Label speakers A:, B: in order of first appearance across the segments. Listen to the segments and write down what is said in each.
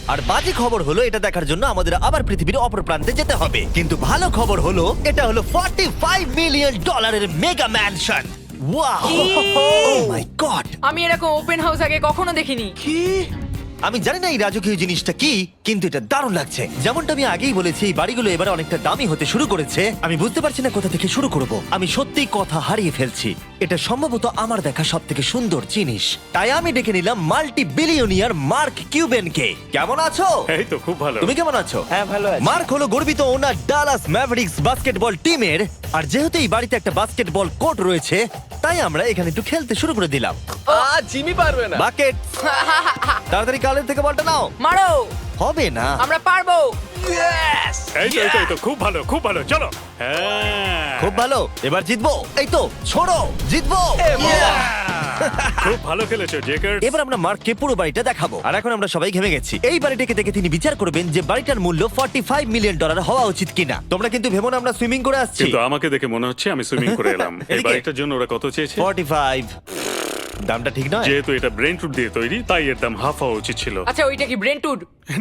A: আর বাজে খবর হলো এটা দেখার জন্য আমাদের আবার পৃথিবীর অপর প্রান্তে যেতে হবে, কিন্তু ভালো খবর হলো এটা হলো $45 million mega mansion. Wow, oh my god!
B: আমি এরকম ওপেন হাউস আগে কখনো দেখিনি।
A: আমি জানি না এই রাজকীয় জিনিসটা কি, কিন্তু এটা দারুণ লাগছে। যেমনটা আমি আগেই বলেছি, এই বাড়িগুলো এবারে অনেকটা দামি হতে শুরু করেছে। আমি বুঝতে পারছি না কোথা থেকে শুরু করব। আমি সত্যিই কথা হারিয়ে ফেলছি। এটা সম্ভবত আমার দেখা সব থেকে সুন্দর জিনিস, তাই আমি ডেকে নিলাম মাল্টি বিলিয়নিয়ার মার্ক কিউবেনকে। কেমন আছো?
C: এই তো খুব ভালো।
A: তুমি কেমন আছো?
D: হ্যাঁ, ভালো আছি।
A: মার্ক হলো গর্বিত ওনার ডালাস ম্যাভরিক্স বাস্কেটবল টিমের, আর যেহেতু এই বাড়িতে একটা বাস্কেটবল কোর্ট রয়েছে, তাই আমরা এখানে একটু খেলতে শুরু করে দিলাম।
D: জিমি পারবে না।
A: বাকেট, তাড়াতাড়ি কালের থেকে বলটা নাও।
B: মারো,
A: হবে না।
B: আমরা পারবো।
C: এই তো খুব ভালো, খুব ভালো। চলো। হ্যাঁ,
A: খুব ভালো, এবার জিতবো। এই তো ছোড়ো, জিতবো।
C: খুব ভালো খেলেছো জেকার।
A: এবার আমরা মার্ককে পুরো বাড়িটা দেখাবো, আর এখন আমরা সবাই ঘেমে গেছি। এই বাড়িটাকে দেখে তিনি বিচার করবেন যে বাড়িটার মূল্য $45 মিলিয়ন হওয়া উচিত কিনা। তোমরা কিন্তু ভেবো না আমরা সুইমিং করে আসছি।
C: কিন্তু আমাকে দেখে মনে হচ্ছে আমি সুইমিং করে এলাম। এই
A: এদিকে।
C: বাড়িটার জন্য ওরা কত চেয়েছে?
A: 45। দামটা ঠিক নয়।
C: যেহেতু এটা ব্রেন টুড দিয়ে তৈরি, তাই এর দাম হাফ হওয়া উচিত ছিল।
B: আচ্ছা, ওইটা কি ব্রেন্টউড?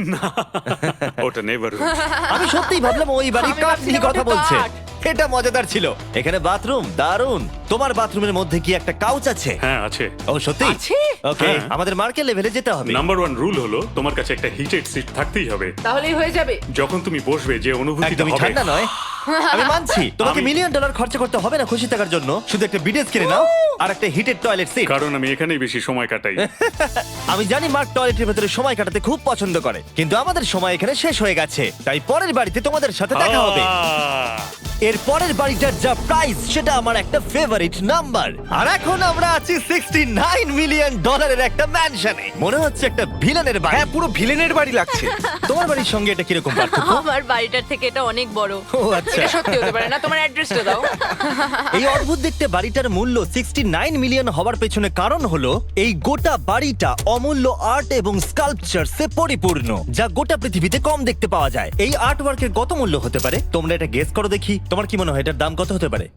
C: ওটা নেভার।
A: আমি সত্যিই ভাবলাম ওই বাড়ির
B: আমি
A: কাঠ নিয়ে
B: ভাবছিলাম
A: কথা
B: ওটা
A: বলছে।
B: কাঠ।
A: এটা মজাদার ছিল। এখানে বাথরুম দারুণ। তোমার বাথরুমের মধ্যে কি একটা কাউচ আছে?
C: হ্যাঁ আছে।
A: ও সত্যি?
B: আছে?
A: ওকে,
C: হ্যাঁ।
A: আমাদের মার্কেট লেভেলে যেতে হবে।
C: নাম্বার 1 রুল হলো তোমার কাছে একটা হিটেড সিট থাকতেই হবে।
B: তাহলেই হয়ে যাবে।
C: যখন তুমি বসবে যে অনুভূতিটা
A: একদমই
C: হবে।
A: ঠান্ডা নয়। আমি মানছি তোমাকে
C: আমি-
A: $1 মিলিয়ন খরচা করতে হবে না খুশি থাকার জন্য। শুধু একটা বিডেস কিনে নাও আর একটা হিটেড টয়লেট সিট।
C: কারণ আমি এখানেই বেশি সময় কাটাই।
A: আমি জানি মার্ক টয়লেটের ভেতরে সময় কাটাতে খুব পছন্দ করে, কিন্তু আমাদের সময় এখানে শেষ হয়ে গেছে, তাই পরের বাড়িতে তোমাদের সাথে দেখা হবে। এর পরের বাড়িটার যা প্রাইস সেটা আমার একটা ফেভারিট নাম্বার। আর এখন আমরা আছি $69 মিলিয়ন একটা ম্যানশনে। মনে হচ্ছে একটা ভিলেনের বাড়ি।
D: হ্যাঁ, পুরো ভিলেনের বাড়ি লাগছে।
A: তোমার বাড়ির সঙ্গে এটা কিরকম পার্থক্য?
E: আমার বাড়িটার থেকে এটা অনেক বড়।
A: ও আচ্ছা।
B: এটা সত্যি হতে পারে না। তোমার অ্যাড্রেসটা দাও।
A: এই অদ্ভুত দেখতে বাড়িটার মূল্য $69 মিলিয়ন হওয়ার পেছনে কারণ হলো এই গোটা বাড়িটা অমূল্য আর্ট এবং স্কাল্পচারসে পরিপূর্ণ, যা গোটা পৃথিবীতে কম দেখতে পাওয়া যায়। এই আর্ট ওয়ার্কের কত মূল্য হতে পারে তোমরা এটা গেস করো দেখি। তোমার কি মনে হয় এটার দাম কত হতে পারে?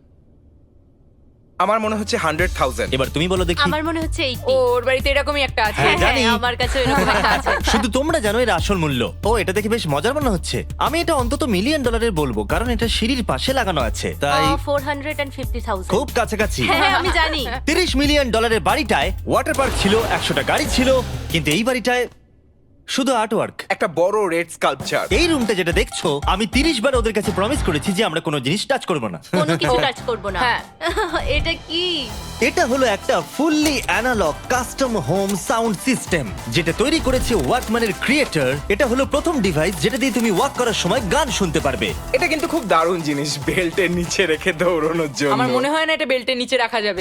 D: আমার মনে হচ্ছে 100,000।
A: এবার তুমি বলো দেখি।
E: আমার মনে হচ্ছে 80।
B: ওর বাড়িতে এরকমই একটা আছে।
A: হ্যাঁ, জানি।
E: আমার কাছে এরকম একটা আছে।
A: শুধু তোমরা জানো এর আসল মূল্য। ও, এটা দেখে বেশ মজার মনে হচ্ছে। আমি এটা অন্তত $1 মিলিয়ন বলবো, কারণ এটা সিঁড়ির পাশে লাগানো আছে, তাই
E: 450,000।
A: খুব কাছাকাছি।
E: হ্যাঁ, আমি জানি।
A: $30 মিলিয়ন বাড়িটায় ওয়াটার পার্ক ছিল, 100টা গাড়ি ছিল, কিন্তু এই বাড়িটায় শুধু আর্টওয়ার্ক।
D: একটা বড় রেড স্কাল্পচার।
A: এই রুমটা যেটা দেখছো, আমি 30 বার ওদের কাছে প্রমিস করেছি যে আমরা কোনো জিনিস টাচ করব না।
E: কোনো কিছু টাচ করব না।
B: হ্যাঁ।
E: এটা কি?
A: এটা হলো একটা fully analog custom home sound system, যেটা তৈরি করেছে ওয়াকম্যানের ক্রিয়েটর। এটা হলো প্রথম ডিভাইস যেটা দিয়ে তুমি ওয়াক করার সময় গান শুনতে পারবে।
D: এটা কিন্তু খুব দারুণ জিনিস, বেল্টের নিচে রেখে দৌড়ানোর জন্য।
B: আমার মনে হয় না এটা বেল্টের নিচে রাখা যাবে।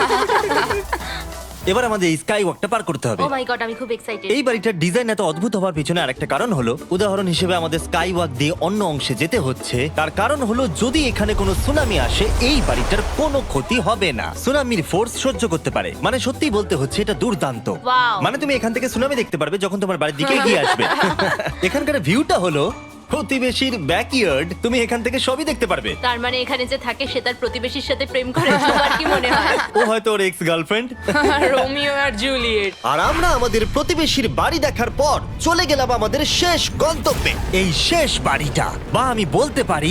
A: এবার আমাদের এই স্কাই ওয়াকটা পার করতে হবে।
E: ও মাই গড, আমি খুব এক্সাইটেড।
A: এই বাড়িটার ডিজাইন এত অদ্ভুত হওয়ার পিছনে আরেকটা কারণ হলো, উদাহরণ হিসেবে আমাদের স্কাই ওয়াক দিয়ে অন্য অংশে যেতে হচ্ছে। তার কারণ হলো যদি এখানে কোনো সুনামি আসে এই বাড়িটার কোনো ক্ষতি হবে না। সুনামির ফোর্স সহ্য করতে পারে। মানে সত্যি বলতে হচ্ছে এটা দুর্দান্ত।
E: Wow.
A: মানে তুমি এখান থেকে সুনামি দেখতে পারবে যখন তোমার বাড়ির দিকে এগিয়ে আসবে। এখানকার ভিউটা হলো প্রতিবেশীর ব্যাকইয়ার্ড। তুমি এখান থেকে সবই দেখতে পারবে।
E: তার মানে এখানে যে থাকে সে তার প্রতিবেশীর সাথে প্রেম করে, তোমার কি মনে হয়?
A: ও হয়তো ওর এক্স গার্লফ্রেন্ড।
B: রোমিও আর জুলিয়েট।
A: আর আমরা আমাদের প্রতিবেশীর বাড়ি দেখার পর চলে গেলাম আমাদের শেষ গন্তব্যে। এই শেষ বাড়িটা, বা আমি বলতে পারি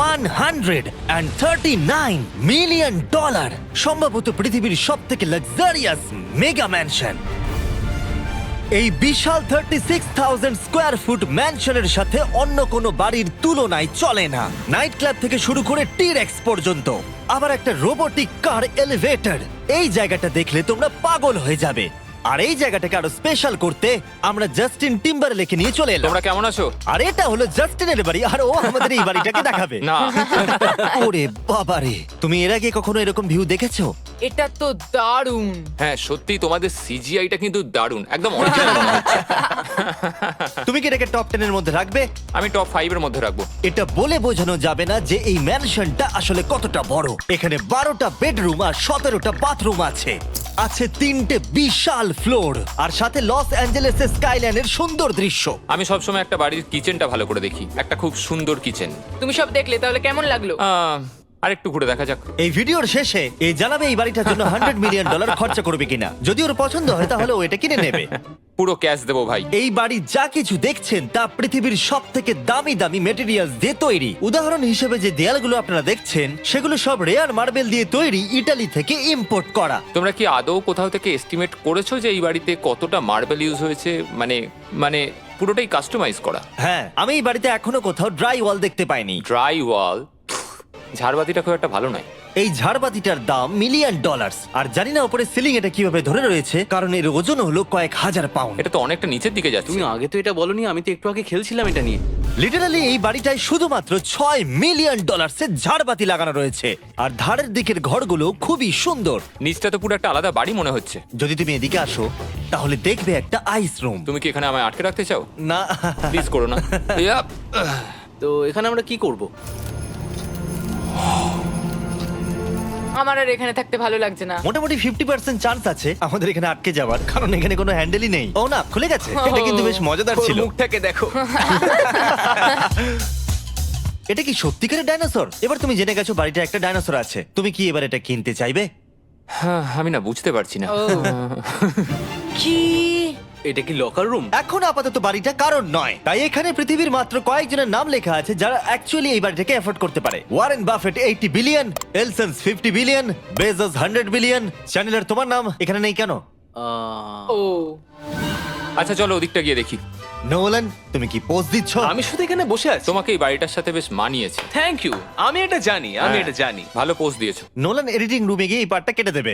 A: $139 মিলিয়ন, সম্ভবত পৃথিবীর সব থেকে লাক্সারিয়াস মেগা ম্যানশন। এই বিশাল 36,000 স্কোয়ার ফুট ম্যানশনের সাথে অন্য কোনো বাড়ির তুলনায় চলে না। নাইট ক্লাব থেকে শুরু করে টি-রেক্স পর্যন্ত, আবার একটা রোবোটিক কার এলিভেটর। এই জায়গাটা দেখলে তোমরা পাগল হয়ে যাবে। আর এই জায়গাটাকে আরো স্পেশাল করতে আমরা জাস্টিন টিম্বারলেকে নিয়ে চলে এলাম।
F: তোমরা কেমন আছো?
A: আর এটা হলো জাস্টিনের বাড়ি, আর ও আমাদের এই বাড়িটাকে দেখাবে।
F: না।
A: ওরে বাবারে, তুমি এর আগে কখনো এরকম ভিউ দেখেছো?
B: এটা তো দারুণ।
F: হ্যাঁ সত্যি তোমাদের সিজিআইটা কিন্তু দারুণ, একদম অরিজিনাল মনে হচ্ছে।
A: তুমি কি এটাকে টপ 10 এর মধ্যে রাখবে?
F: আমি টপ 5 এর মধ্যে রাখবো।
A: এটা বলে বোঝানো যাবে না যে এই ম্যানশনটা আসলে কতটা বড়। এখানে 12টা বেডরুম আর 17টা বাথরুম আছে। আছে 3টে বিশাল ফ্লোর, আর সাথে লস অ্যাঞ্জেলেসের স্কাইলাইনের সুন্দর দৃশ্য।
F: আমি সবসময় একটা বাড়ির কিচেনটা ভালো করে দেখি, একটা খুব সুন্দর কিচেন।
B: তুমি সব দেখলে তাহলে কেমন লাগলো?
F: আর একটু ঘুরে দেখা যাক।
A: এই ভিডিওর শেষে এই জানাবে এই বাড়িটার জন্য $100 মিলিয়ন খরচা করবে কিনা। যদি ওর পছন্দ হয় তাহলে ও এটা কিনে নেবে।
F: পুরো ক্যাশ দেবো ভাই।
A: এই বাড়ি যা কিছু দেখছেন তা পৃথিবীর সব থেকে দামি দামি মেটেরিয়ালস দিয়ে তৈরি। উদাহরণ হিসেবে যে দেয়ালগুলো আপনারা দেখছেন সেগুলো সব রেয়ার মার্বেল দিয়ে তৈরি, ইটালি থেকে ইম্পোর্ট করা।
F: তোমরা কি আদৌ কোথাও থেকে এস্টিমেট করেছো যে এই বাড়িতে কতটা মার্বেল ইউজ হয়েছে? মানে পুরোটাই কাস্টমাইজ করা।
A: হ্যাঁ, আমি এই বাড়িতে এখনো কোথাও ড্রাই ওয়াল দেখতে পাইনি।
F: ড্রাই ওয়াল, ঝাড়বাতিটা খুব একটা ভালো নয়।
A: এই ঝাড়বাতিটার দাম $1 মিলিয়ন। আর জানি না উপরে সিলিং এটা কিভাবে ধরে রয়েছে, কারণ এর ওজন হলো কয়েক হাজার পাউন্ড।
F: এটা তো অনেকটা নিচের দিকে যাচ্ছে।
G: তুমি আগে তো এটা বলনি, আমি তো একটু আগে খেলছিলাম এটা নিয়ে।
A: লিটারালি এই বাড়িটায় শুধুমাত্র $6 মিলিয়ন ঝাড়বাতি লাগানো রয়েছে। আর ধারের দিকের ঘরগুলো খুবই সুন্দর।
F: নিচটা তো পুরো একটা আলাদা বাড়ি মনে হচ্ছে।
A: যদি তুমি এদিকে আসো তাহলে দেখবে একটা আইস রুম।
F: তুমি কি এখানে আমায় আটকে রাখতে চাও?
A: না,
F: প্লিজ করো না। ইয়াপ।
G: তো এখানে আমরা কি করব?
B: আমার আর এখানে থাকতে ভালো লাগছে না।
A: মোটামুটি 50% চান্স আছে আমাদের এখানে আটকে যাওয়ার, কারণ এখানে কোনো হ্যান্ডেলই নেই। ও না, খুলে গেছে। এটা কিন্তু বেশ মজাদার
D: ওর
A: ছিল।
D: মুখটাকে দেখো।
A: এটা কি সত্যিকারের ডাইনোসর? এবার তুমি জেনে গেছো বাড়িটা একটা ডাইনোসর আছে। তুমি কি এবার এটা কিনতে চাইবে?
F: হ্যাঁ, আমি না বুঝতে পারছি না।
B: ও কি?
G: এটা কি লকার রুম?
A: এখন আপাতত বাড়িটা কারণ নয়, তাই এখানে পৃথিবীর মাত্র কয়েকজনের নাম লেখা আছে যারা অ্যাকচুয়ালি এই বাড়িটাকে এফোর্ড করতে পারে। Warren Buffett 80 billion, Ellisons 50 billion, Bezos 100 billion. চ্যানেলার, তোমার নাম এখানে নেই কেন?
B: ও
F: আচ্ছা চলো ওদিকটা গিয়ে দেখি।
A: নোলান, তুমি কি পোজ দিচ্ছ?
G: আমি শুধু এখানে বসে আছি।
F: তোমাকে এই বাড়িটার সাথে বেশ মানিয়েছে।
G: Thank you. আমি এটা জানি, আমি এটা জানি।
F: ভালো পোস্ট দিয়েছো।
A: নোলান এডিটিং রুমে গিয়ে এই পার্টটা কেটে দেবে।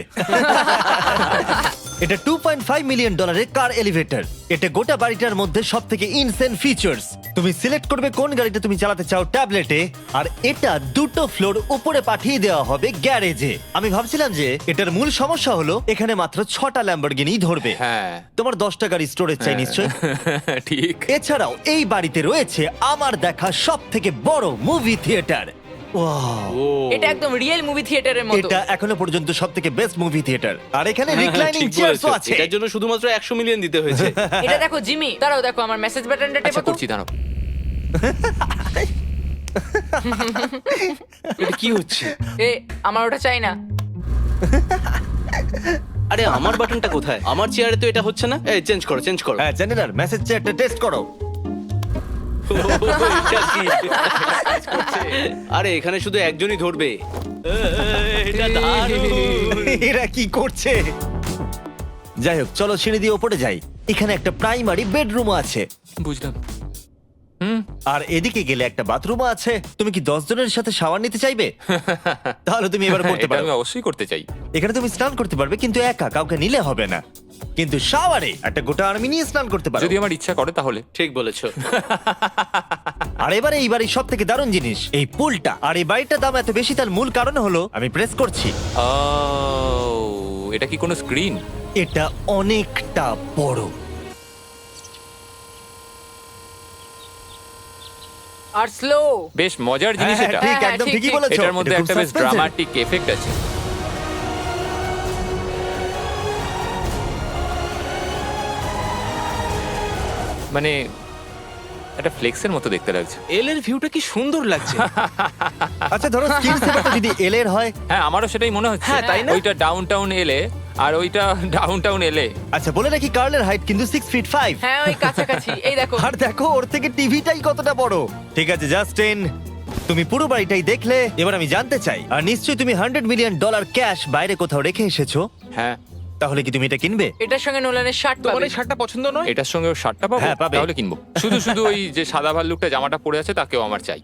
A: এটা $2.5 মিলিয়ন কার এলিভেটর। এটা গোটা বাড়িটার মধ্যে সব থেকে ইনসেন ফিচার্স। তুমি সিলেক্ট করবে কোন গাড়িটা তুমি চালাতে চাও ট্যাবলেটে, আর এটা 2টো ফ্লোর উপরে পাঠিয়ে দেওয়া হবে গ্যারেজে। আমি ভাবছিলাম যে এটার মূল সমস্যা হলো এখানে মাত্র 6টা ল্যাম্বরগিনি ধরবে।
F: হ্যাঁ।
A: তোমার 10টা গাড়ি স্টোরেজ চাই নিশ্চয়ই।
F: ঠিক।
A: এছাড়াও এই বাড়িতে রয়েছে আমার দেখা সব থেকে বড় মুভি থিয়েটার।
B: এটা একদম রিয়েল মুভি থিয়েটারের মতো।
A: এটা এখনো পর্যন্ত সব থেকে বেস্ট মুভি থিয়েটার। আর এখানে রিক্লাইনিং
G: ঠিক
A: চেয়ারও
G: বলেছো।
A: আছে।
G: এটার জন্য শুধুমাত্র 100 মিলিয়ন দিতে হয়েছে।
B: এটা দেখো জিমি, দাঁড়াও দেখো আমার মেসেজ বাটনটা টেপো
F: আচ্ছা
B: তো।
F: করছি, দাঁড়াও।
G: এটা কি হচ্ছে?
B: এ আমার ওটা চাই না।
G: আরে আমার বাটনটা কোথায়? আমার চেয়ারে তো এটা হচ্ছে না। এই চেঞ্জ করো, চেঞ্জ করো।
A: হ্যাঁ, চ্যানেলার মেসেজ চেয়ারটা টেস্ট করো।
G: এটা কি? আরে এখানে শুধু একজনই ধরবে। এটা দারুণ।
A: এরা কি করছে? যাই হোক, চলো সিঁড়ি দিয়ে ওপরে যাই। এখানে একটা প্রাইমারি বেডরুম আছে,
F: বুঝলাম।
A: আর এদিকে গেলে একটা বাথরুমও আছে। তুমি কি 10 জনের সাথে শাওয়ার নিতে চাইবে? তাহলে তুমি এবার করতে
F: এটা
A: পারো।
F: আমি অবশ্যই করতে চাই।
A: এখানে তুমি স্নান করতে পারবে, কিন্তু একা, কাউকে নিলে হবে না। কিন্তু শাওয়ারে একটা গোটা আর্মি নিয়ে স্নান করতে পারো।
F: যদি আমার ইচ্ছা করে তাহলে।
G: ঠিক বলেছো।
A: আর এবারে এই বাড়ির সব থেকে দারুণ জিনিস এই পুলটা। আর এই বাড়িটার দাম এত বেশি তার মূল কারণ হলো, আমি প্রেস করছি,
F: ও, এটা কি কোনো স্ক্রিন?
A: এটা অনেকটা বড়।
B: আর স্লো।
F: বেশ মজার জিনিস
A: হ্যাঁ,
F: এটা।
A: ঠিক,
B: হ্যাঁ,
A: একদম
B: ঠিক,
A: ঠিকই
B: ঠিক।
A: বলেছো।
F: এটার মধ্যে
A: এটা খুব
F: একটা বেশ
A: suspense-এর।
F: ড্রামাটিক এফেক্ট আছে। মানে একটা ফ্লেক্সের মতো দেখতে লাগছে।
G: এল এর ভিউটা কি সুন্দর লাগছে।
A: আচ্ছা ধরো স্ক্রিন সেভারটা যদি এল এর হয়।
F: হ্যাঁ, আমারও সেটাই মনে হচ্ছে।
G: হ্যাঁ, তাই না?
F: ওইটা ডাউন টাউন এলে আর ওইটা ডাউন টাউন এলে।
A: আচ্ছা বলে রাখি, কার্লের হাইট কিন্তু 6 ফিট 5।
B: হ্যাঁ ওই কাছাকাছি। এই দেখো।
A: আর দেখো ওর থেকে টিভিটাই কতটা বড়। ঠিক আছে জাস্টিন, তুমি পুরো বাড়িটাই দেখলে। এবার আমি জানতে চাই, আর নিশ্চয়ই তুমি $100 মিলিয়ন ক্যাশ বাইরে কোথাও রেখে এসেছো,
F: হ্যাঁ,
A: তাহলে কি তুমি এটা কিনবে?
B: এটার সঙ্গে নোলানের শার্ট
D: তোমার
B: পাবে।
D: এই শার্টটা পছন্দ নয়?
F: এটার সঙ্গে ওর শার্টটা পাবো?
A: হ্যাঁ, পাবে।
F: তাহলে কিনবো। শুধু শুধু ওই যে সাদা ভাল্লুকটা জামাটা পরে আছে তাকেও আমার চাই।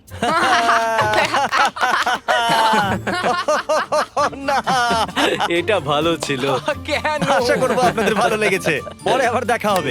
A: না,
G: এটা ভালো ছিল।
B: কেন?
A: আশা করবো আপনাদের ভালো লেগেছে। পরে আবার দেখা হবে।